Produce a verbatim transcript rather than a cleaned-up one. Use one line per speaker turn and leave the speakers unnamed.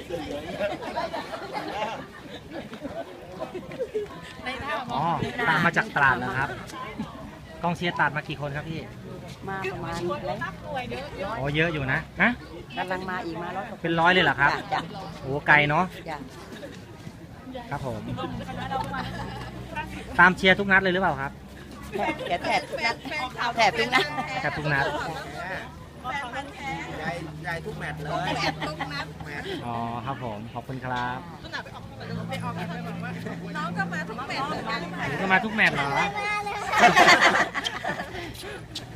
อ๋อตามมาจากตราดนะครับกองเชียร์ตราดมากี่คนครับพี่
มาประมาณแล้ว
โอ้เยอะอยู่นะนะ
กำลังมาอีกมาแล้ว
เป็นร้อยเลยเหรอครับโอ้ไกลเนาะครับผมตามเชียร์ทุกนัดเลยหรือเปล่าครับ
แถบแถบทุกนัดแถบทุกนัด
แถบทุกนัด
ใหญ่ทุกแมตช์เลย
อ๋อครับผมขอบคุณครับ
น้องก็มาทุกแมตช์เหมือนกัน
ก็มาทุกแมตช์เหรอ